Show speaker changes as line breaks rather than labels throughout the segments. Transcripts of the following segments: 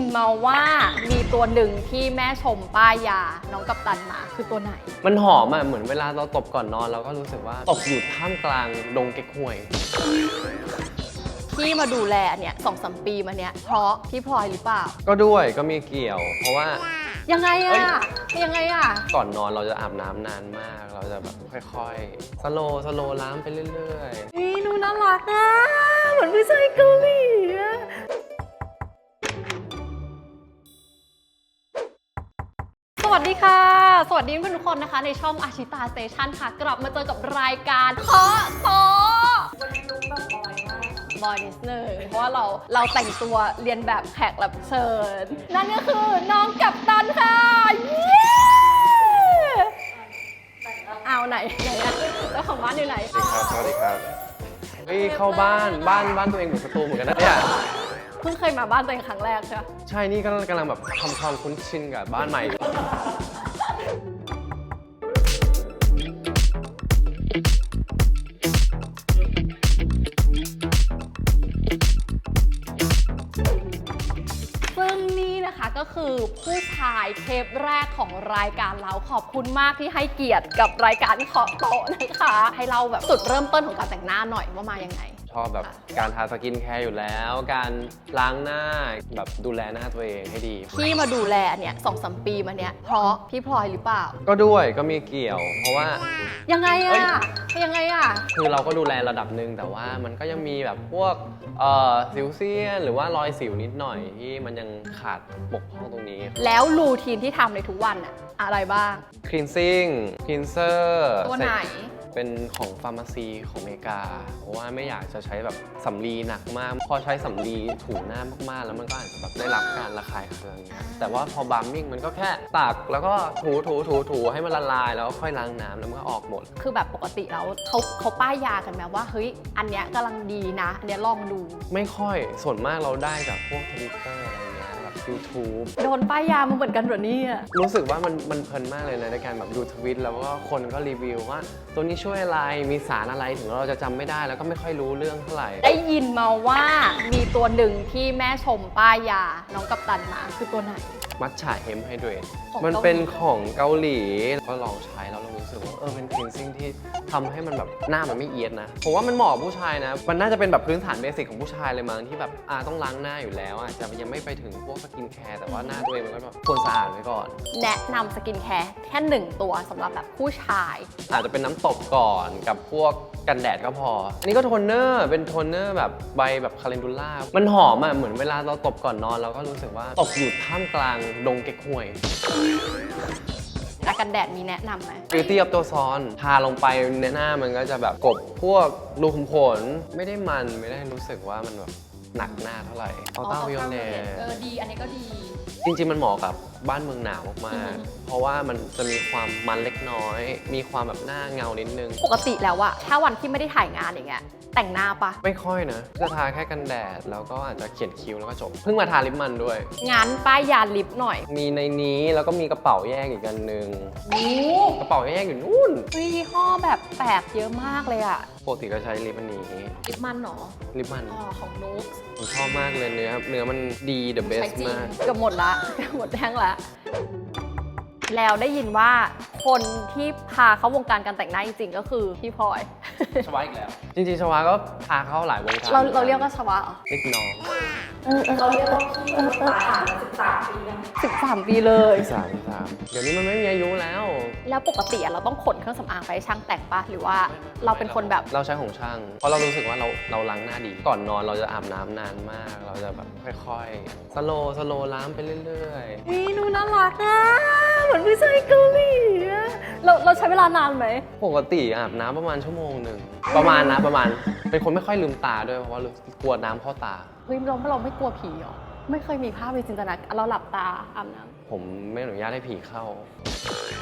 มาว่ามีตัวหนึ่งที่แม่ชมป้ายยาน้องกัปตันมาคือตัวไหน
มันหอมอ่ะเหมือนเวลาเราตบก่อนนอนเราก็รู้สึกว่าตบอยู่ท่ามกลางดงเก๊กฮวย
ที่มาดูแลเนี่ย2-3 ปีมาเนี่ยเพราะพี่พลอยหรือเปล่า
ก็ด้วยก็มีเกี่ยวเพราะว่า
ยังไงอะยังไงอะ
ก่อนนอนเราจะอาบน้ำนานมากเราจะแบบค่อยๆสโลว์ล้างไปเรื่อยๆ
นี่ดูน่ารักอะเหมือนผู้ชายเกาหลีอะสวัสดีค่ะสวัสดีเพื่อนทุกคนนะคะในช่องอาชิตาสเตชันค่ะกลับมาเจอกับรายการเคาะโต๊ะวันนี้ลุกแบบบอยนิดนึงเพราะว่าเราแต่งตัวเรียนแบบแขกรับเชิญนั่นก็คือน้องกัปตันค่ะเย้เอาไหนอะเจ้าของบ้านอยู่ไหน
สวัสดีครับเฮ้ยเข้าบ้านตัวเองเหมือนสตูเหมือนกันนะเนี่ย
เพิ่งเคยมาบ้านตัวเองครั้งแรกใช่ไหม
ใช่นี่กำลังแบบทำความคุ้นชินกับบ้านใหม่
ซึ่งนี่นะคะก็คือผู้ชายเทปแรกของรายการเราขอบคุณมากที่ให้เกียรติกับรายการเคาะโต๊ะนะคะให้เราแบบจุดเริ่มต้นของการแต่งหน้าหน่อยว่ามายังไง
ชอบแบบการทาสกินแคร์อยู่แล้วการล้างหน้าแบบดูแลหน้าตัวเองให้ดี
ที่มาดูแลเนี่ย2-3 ปีมาเนี่ยเพราะพี่พลอยหรือเปล่า
ก็ด้วยก็มีเกี่ยวเพราะว่า
ยังไงอะยังไงอะ
คือเราก็ดูแลระดับหนึ่งแต่ว่ามันก็ยังมีแบบพวกสิวเซียนหรือว่ารอยสิวนิดหน่อยที่มันยังขาดบกพร่องตรงนี้
แล้วรูทีนที่ทำในทุกวันอะอะไรบ้าง
cleansing cleanser
ตัวไหน
เป็นของฟาร์มาซีของอเมริกาเพราะว่าไม่อยากจะใช้แบบสำลีหนักมากพอใช้สำลีถูหน้ามากๆแล้วมันก็อาจจะแบบได้รับการระคายเคืองแต่ว่าพอบัมมิ่งมันก็แค่ตักแล้วก็ถูให้มันละลายแล้วก็ค่อยล้างน้ำแล้วมันก็ออกหมด
คือแบบปกติแล้วเขาป้ายยากันไหมว่าเฮ้ยอันเนี้ยกำลังดีนะอันเนี้ยลองดู
ไม่ค่อยส่วนมากเราได้จากพวก Twitter อะไรเงี้ยแบบ YouTube
โดนป้ายยามาเหมือนกันเหรอเนี่ย
รู้สึกว่ามันเพลินมากเลยนะในการแบบดูทวิตแล้วก็คนก็รีวิวว่าตัวนี้ช่วยอะไรมีสารอะไรถึงเราจะจำไม่ได้แล้วก็ไม่ค่อยรู้เรื่องเท่าไหร่
ได้ยินมาว่ามีตัวหนึ่งที่แม่ชมป้ายยาน้องกัปตันมาคือตัวไหน
มัทฉะเฮมไฮเดรตมันเป็นของเกาหลีก็ลองใช้แล้วเรารู้สึกว่าเป็นคลีนซิ่งที่ทำให้มันแบบหน้ามันไม่เอียดนะผมว่ามันเหมาะกับผู้ชายนะมันน่าจะเป็นแบบพื้นฐานเบสิกของผู้ชายเลยมั้งที่แบบต้องล้างหน้าอยู่แล้วอาจจะยังไม่ไปถึงพวกสกินแคร์แต่ว่าหน้าตัวเองมันก็แบบควรสะอาดไว้ก่อน
แนะนำสกินแคร์แค่1ตัวสำหรับแบบผู้ชาย
อาจจะเป็นน้ำตบก่อนกับพวกกันแดดก็พออันนี้ก็โทนเนอร์เป็นโทนเนอร์แบบใบแบบคาเลนดูล่ามันหอมอ่ะเหมือนเวลาเราตบก่อนนอนเราก็รู้สึกว่าตบอยู่ท่ามกลางดงเก๊กฮวย
กันแดดมีแนะนำไหม
Beauty of ตัวซ้อนทาลงไปในหน้ามันก็จะแบบกบพวกรูขุมขนไม่ได้รู้สึกว่ามันแบบหนักหน้าเท่าไหร่อัลต้าวิโอเลต
ดีอันนี้ก็ดี
จริงๆมันเหมาะกับบ้านเมืองหนาวมากๆเพราะว่ามันจะมีความมันเล็กน้อยมีความแบบหน้าเงานิดนึง
ปกติแล้วอะถ้าวันที่ไม่ได้ถ่ายงานอย่างเงี้ยแต่งหน้าปะ
ไม่ค่อยนะจะทาแค่กันแดดแล้วก็อาจจะเขียนคิ้วแล้วก็จบเพิ่งมาทาลิปมันด้วย
งั้นป้ายยาลิปหน่อย
มีในนี้แล้วก็มีกระเป๋าแยกอีกอันนึงกระเป๋าแยกอยู่นู่น
ยี่ห้อแบบแปลกเยอะมากเลยอะ
ปกติก็ใช้ลิปอันนี้
ลิปมันหรอ
ลิปมัน
ของนุ๊ก
ผมชอบมากเลยเนื้อมันดี the best มาก
เกือบหมดละหมดแท่งละแล้วได้ยินว่าคนที่พาเข้าวงการการแต่งหน้าจริงๆก็คือพี่พลอย
ชวาอีกแล้วจริงๆชวาก็พาเข้าหลายวงการ
เราเรียกว่าชวา
เล็กน้อง
เราเรียกว่าพี่ผ่านมา13 ปี13 ปีเลย
13เดี๋ยวนี้มันไม่มีอายุแล้ว
ปกติเราต้องขนเครื่องสำอางไปให้ช่างแต่งปะหรือว่าเราเป็นคนแบบ
เราใช้ของช่างเพราะเรารู้สึกว่าเราล้างหน้าดีก่อนนอนเราจะอาบน้ำนานมากเราจะแบบค่อยๆสโลว์ล้างไปเรื่อย
ๆนี่ดูน่ารักอะเหมือนผู้ชายเกาหลีเราใช้เวลานานไหม
ปกติอาบน้ำประมาณชั่วโมงหนึ่งประมาณเป็นคนไม่ค่อยลืมตาด้วยเพราะว่ากลัวน้ำเข้าตา
เฮ้ยเราไม่กลัวผีหรอไม่เคยมีภาพในจินตนาการเราหลับตาอาบน้ำ
ผมไม่อนุญาตให้ผีเข้า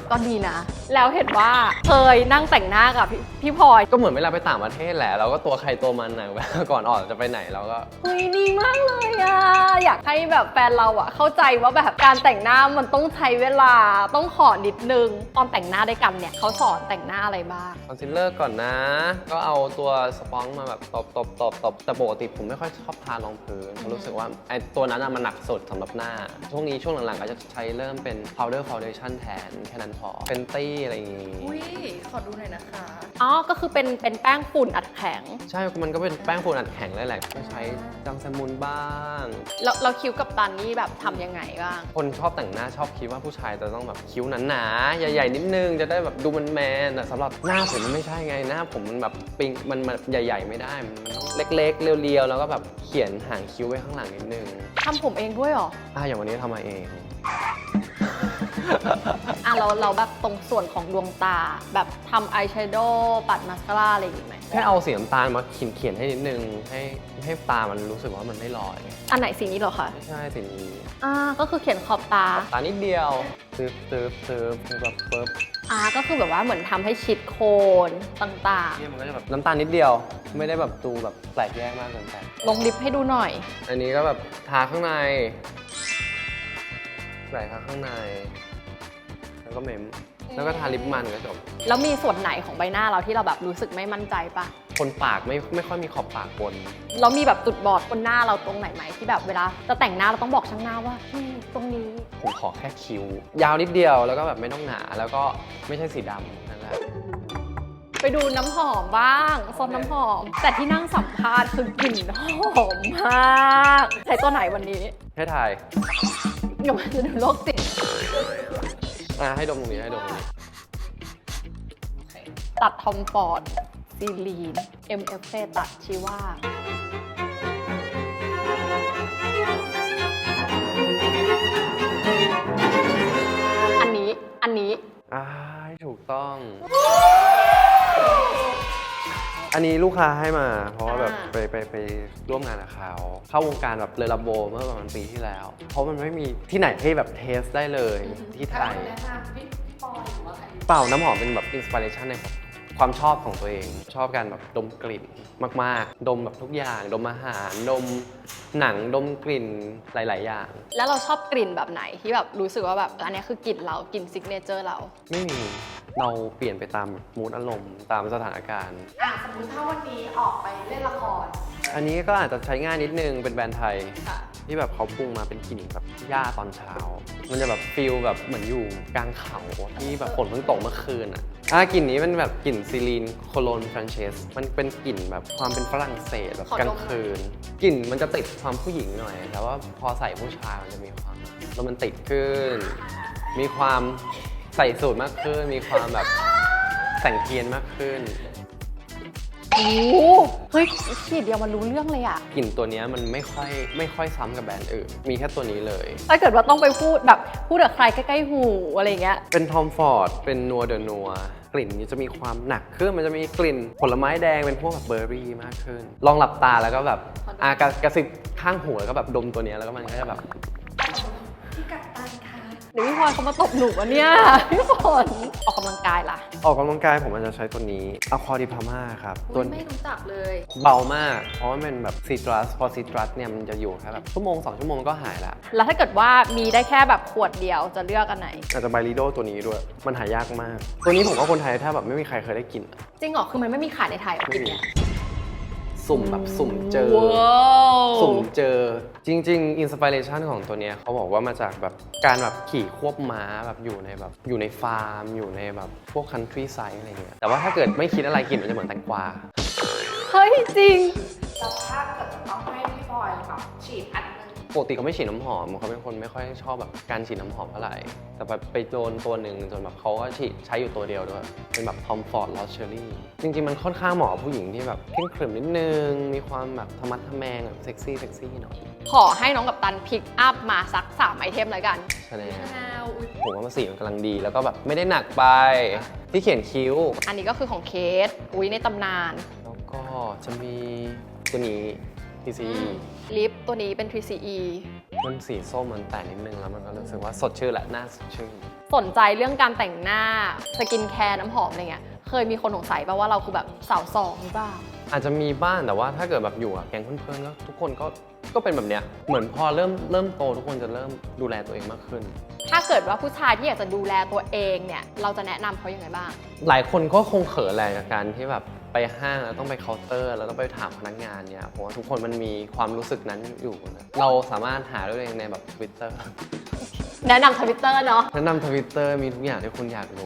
ก็ดีนะ แล้วเห็นว่าเคยนั่งแต่งหน้ากับพี่พลอย
ก็เหมือนเวลาไปต่างประเทศแหละเราก็ตัวใครตัวมันนะ ก่อนออกจะไปไหนเราก็
เฮ้ยดีมากเลยอะอยากให้แบบแฟนเราอะเข้าใจว่าแบบการแต่งหน้ามันต้องใช้เวลาต้องขอนิดนึงตอนแต่งหน้าด้วยกันเนี่ยเขาสอนแต่งหน้าอะไรบ้าง
คอนซีลเลอร์ก่อนนะ ก็เอาตัวสปอนจ์มาแบบตบแต่ปกติผมไม่ค่อยชอบทารองพื้นเพราะรู้สึกว่าไอ้ตัวนั้นมันหนักสุดสำหรับหน้าช่วงหลังๆก็จะใช้เริ่มเป็น powder foundation แทนแค่นั้นพอเป็นตี้อะไรอย่างงี้
อุ้ยขอดูหน่อยนะคะ
อ๋อ ก็คือเป็นแป้งฝุ่นอัดแข็ง
ใช่ มันก็เป็นแป้งฝุ่นอัดแข็งเลยแหละก็ใช้จังสมุนบ้าง
เราคิ้วกับตันนี่แบบทำยังไงบ้าง
คนชอบแต่งหน้าชอบคิดว่าผู้ชายจะต้องแบบคิ้วหนาๆใหญ่ๆนิดนึงจะได้แบบดูมันแมนแต่สำหรับหน้าผมมันไม่ใช่ไงหน้าผมมันแบบปิงมันใหญ่ๆไม่ได้มันต้องเล็กๆเรียวๆแล้วก็แบบเขียนหางคิ้วไว้ข้างหลังนิดนึง
ทำผมเองด้วยเหรอ
อย่างวันนี้ทำมาเอง
เราแบบตรงส่วนของดวงตา แบบทำอายแชโดว์ปัดมาสคาร่าอะไรอย่างงี้ไหม
แค่เอาสีน้ำตาลมาเขียนให้นิดนึงให้ตามันรู้สึกว่ามันไม่ลอย
อันไหนสีนี้เหรอคะ
ไม่ใช่สีนี้
ก็คือเขียนขอบตา
ตานิดเดียวซึบแบบปึ๊บ
ก็คือแบบว่าเหมือนทำให้ชิดโคนต่าง
เนี่ยมันก็จะแบบน้ำตาลนิดเดียว ไม่ได้แบบดูแบบแปลกแยกมากเกินไป
ๆ ลงลิปให้ดูหน่อย
อันนี้ก็แบบทาข้างในใส่ทาข้างใน แล้วก็เมม แล้วก็ทาลิปมันก็จบ
แล้วมีส่วนไหนของใบหน้าเราที่เราแบบรู้สึกไม่มั่นใจปะ
คนปากไม่ค่อยมีขอบปากบน
เรามีแบบจุดบอดบนหน้าเราตรงไหนไหมที่แบบเวลาจะแต่งหน้าเราต้องบอกช่างหน้าว่าตรงนี้
ผมขอแค่คิ้ว ยาวนิดเดียวแล้วก็แบบไม่ต้องหนา แล้วก็ไม่ใช่สีดำนั่นแหละ
ไปดูน้ำหอมบ้างโซนน้ำหอม แต่ที่นั่งสัมภาษณ์คือกลิ่นหอมมากใช้ตัวไหนวันนี้
ให้ถ่าย
เดี๋ยวมันจะดูโรคจิต
ให้ดมตรงนี้ให้ดมตรงนี้
ตัดทอมฟอร์ดซีลีน MF ตัดชีว่าอันนี้
ถูกต้อง อันนี้ลูกค้าให้มา เพราะว่าแบบไปร่วมงานกับเขาเข้าวงการแบบเลอลาโบเมื่อประมาณปีที่แล้ว เพราะมันไม่มีที่ไหนให้แบบเทสได้เลยที่ไทย
แนะนำพี่ปอยหรือว่าใคร
เปล่าน้ำหอมเป็นแบบอินสปิเรชันในความชอบของตัวเอง ชอบการแบบดมกลิ่นมากๆ ดมแบบทุกอย่าง ดมอาหาร ดมหนัง ดมกลิ่นหลาย ๆ อย่าง
แล้วเราชอบกลิ่นแบบไหนที่แบบรู้สึกว่าแบบอันนี้คือกลิ่นเรากลิ่นซิกเนเจอร์เรา
ไม่มี เราเปลี่ยนไปตามมูดอารมณ์ตามสถานการณ์
สมมติถ้าวันนี้ออกไปเล่นละคร
อันนี้ก็อาจจะใช้ง่ายนิดนึงเป็นแบรนด์ไทย
ค่ะ
ที่แบบเขาปรุงมาเป็นกลิ่นแบบหญ้าตอนเช้า มันจะแบบฟีลแบบเหมือนอยู่กลางเขาที่แบบฝนเพิ่งตกเมื่อคืนกลิ่นนี้เป็นแบบกลิ่นซีลีนโคโลนฟรานเชสมันเป็นกลิ่นแบบความเป็นฝรั่งเศสแบบ
ขอดม
กลางคืนกลิ่นมันจะติดความผู้หญิงหน่อย แต่ว่าพอใส่ผู้ชายมันจะมีความโรแมนติกขึ้น มีความใส่สูทมากขึ้น มีความแบบแต่งเทียนมากขึ้น
โอ้เฮ้ยฉีดเดียวมันรู้เรื่องเลยอะ
กลิ่นตัวนี้มันไม่ค่อยซ้ำกับแบรนด์อื่น มีแค่ตัวนี้เลย
ถ้าเกิดว่าต้องไปพูดกับใครใกล้ๆหูอะไรเงี้ย
เป็นทอมฟอร์ด เป็นนัวเดอะนัว กลิ่นนี้จะมีความหนักขึ้น มันจะมีกลิ่นผลไม้แดงเป็นพวกแบบเบอร์รี่มากขึ้น ลองหลับตาแล้วก็แบบกระซิบข้างหูแล้วก็แบบดมตัวนี้แล้วก็มันก็จะแบบ
พี่กัปตันค่ะ
เดี๋ยวพี่พลอยเขามาตบหนูอะเนี่ย พี่ฝนออกกำลังกายล่ะ
ออกกำลังกายผมอาจจะใช้ตัวนี้อะคอดิพาม่าครับ ตัว
ไม่รู้จักเลย
เบามาก เพราะว่ามันเป็นแบบซีตรัส พอซีตรัสเนี่ยมันจะอยู่แค่แบบชั่วโมง 2 ชั่วโมงก็หายละ
แล้วถ้าเกิดว่ามีได้แค่แบบขวดเดียวจะเลือกอันไหน
อาจจะไบริโดตัวนี้ด้วย มันหายากมาก ตัวนี้ผมว่าคนไทยถ้าแบบไม่มีใครเคยได้กิน
จริงเหรอ คือมันไม่มีขายในไทยเหรอกลิ่นเนี่ย
สุ่มแบบสุ่มเจอ
ว้าว
สุ่มเจอจริงๆอินสปิเรชันของตัวเนี้ยเขาบอกว่ามาจากแบบการแบบขี่ควบม้าแบบอยู่ในฟาร์มอยู่ในแบบพวกคันทรีไซด์อะไรเงี้ยแต่ว่าถ้าเกิดไม่คิดอะไรกลิ่นมันจะเหมือนแตงกวา
เฮ้ยจริง
แล้วถ้าเกิดจะต้องให้พี่ปอยแบบฉีดอันนึง
ปกติเขาไม่ฉีดน้ำหอมเขาเป็นคนไม่ค่อยชอบแบบการฉีดน้ำหอมเท่าไหร่แต่แบบไปโดนตัวหนึ่งจนแบบเขาก็ฉีดใช้อยู่ตัวเดียวด้วยเป็นแบบ Tom Ford Lost Cherry จริงๆมันค่อนข้างเหมาะกับผู้หญิงที่แบบเคร่งขรึมนิดนึงมีความแบบธรรมะทะแมงแบบเซ็กซี่หน่อย
ขอให้น้องกับตันพิกอัพมาสัก3ไอเทมเลยกัน
ใช่ไหม
อุ๊ย
ผมว่ามันสีมันกำลังดีแล้วก็แบบไม่ได้หนักไปที่เขียนคิ้ว
อันนี้ก็คือของเคสอุ้ยในตำนาน
แล้วก็จะมีตัวนี้ TCE
ลิปตัวนี้เป็น 3CE
มันสีส้มมันแต่นิดนึงแล้วมันก็รู้สึกว่าสดชื่นแหละหน้าสดชื่น
สนใจเรื่องการแต่งหน้าสกินแคร์น้ำหอมอะไรเงี้ยเคยมีคนสงสัยป่ะว่าเราคือแบบสาวสองหรือเปล่า
อาจจะมีบ้างแต่ว่าถ้าเกิดแบบอยู่กับแก๊งเพื่อนๆก็ทุกคนก็เป็นแบบเนี้ยเหมือนพอเริ่มโตทุกคนจะเริ่มดูแลตัวเองมากขึ้น
ถ้าเกิดว่าผู้ชายที่อยากจะดูแลตัวเองเนี่ยเราจะแนะนำเขายังไงบ้าง
หลายคนก็คงเขินแหละกับการที่แบบไปห้างแล้วต้องไปเคาน์เตอร์แล้วต้องไปถามพนักงานเนี่ยเพราะว่าทุกคนมันมีความรู้สึกนั้นอยู่นะเราสามารถหาด้วยตัวเองในแบบ Twitter
แนะนำทวิตเตอร์เนาะ
แนะนำ Twitter มีทุกอย่างที่คุณอยากรู้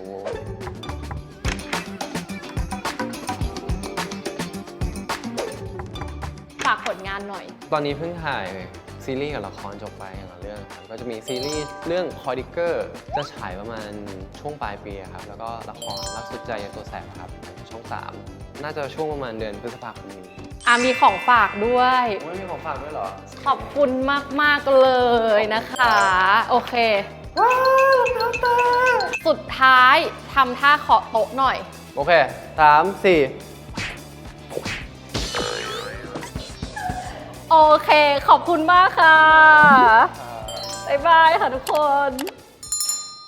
ฝากผลงานหน่อย
ตอนนี้เพิ่งถ่ายซีรีส์กับละครจบไปอย่างละเรื่องครับก็จะมีซีรีส์เรื่องคอดิเกอร์จะฉายประมาณช่วงปลายปีครับแล้วก็ละครรักสุดใจยาตัวแสบครับช่อง 3 น่าจะช่วงประมาณเดือนพฤษภาคมนี้
มีของฝากด้วย
ไม่มีของฝากด้วยเหรอ
ขอบคุณมากๆเลยนะคะ โอเค
ว้าวรองเท้าแตะ
สุดท้ายทำท่าเคาะโต๊ะหน่อย
โอเค 3 4
โอเค ขอบคุณมากค่ะ บ๊ายบายค่ะทุกคน